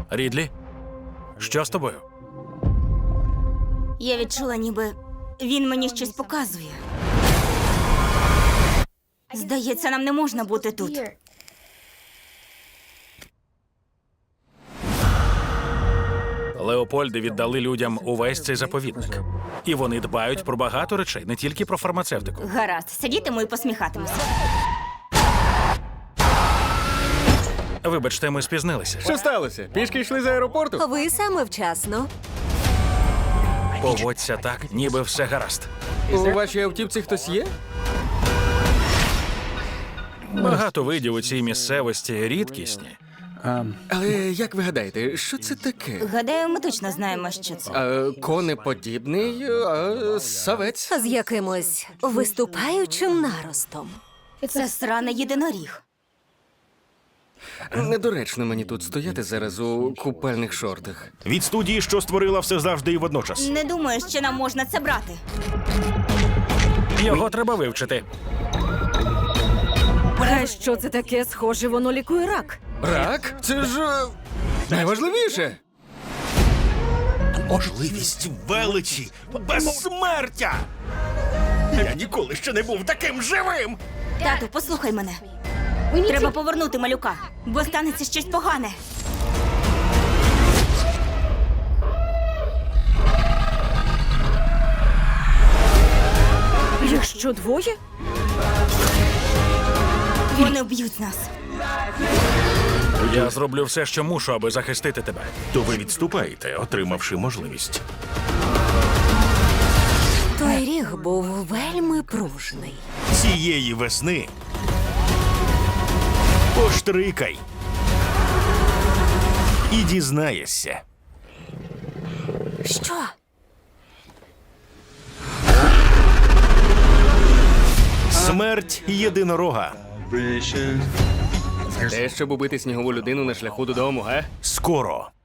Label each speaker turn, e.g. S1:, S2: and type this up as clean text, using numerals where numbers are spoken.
S1: Рідлі? Що з тобою?
S2: Я відчула, ніби він мені щось показує. Здається, нам не можна бути тут.
S1: Леопольди віддали людям увесь цей заповідник. І вони дбають про багато речей, не тільки про фармацевтику.
S2: Гаразд, сидітиму і посміхатимуся.
S1: Вибачте, ми спізнилися.
S3: Що сталося? Пішки йшли з аеропорту?
S4: Ви саме вчасно.
S1: Поводься так, ніби все гаразд.
S3: У вашій автівці хтось є?
S1: Багато видів у цій місцевості рідкісні.
S3: Але як ви гадаєте, що це таке?
S2: Гадаю, ми точно знаємо, що це.
S3: Конеподібний савець.
S4: З якимось виступаючим наростом.
S2: Це сраний єдиноріг.
S3: Недоречно мені тут стояти зараз у купальних шортах.
S5: Від студії, що створила все завжди і водночас.
S2: Не думаю, що нам можна це брати.
S1: Його треба вивчити.
S4: А що це таке? Схоже, воно лікує рак.
S3: Рак? Це ж найважливіше.
S5: Можливість величі, безсмертя! Я ніколи ще не був таким живим!
S2: Тату, послухай мене. Треба повернути малюка, бо станеться щось погане.
S4: Їх що, двоє?
S2: Вони вб'ють нас.
S1: Я зроблю все, що мушу, аби захистити тебе.
S5: То ви відступаєте, отримавши можливість.
S4: Той ріг був вельми пружний.
S5: Цієї весни поштрикай і дізнаєшся.
S4: Що?
S5: Смерть єдинорога.
S3: Те, щоб убити снігову людину на шляху додому, га?
S5: Скоро.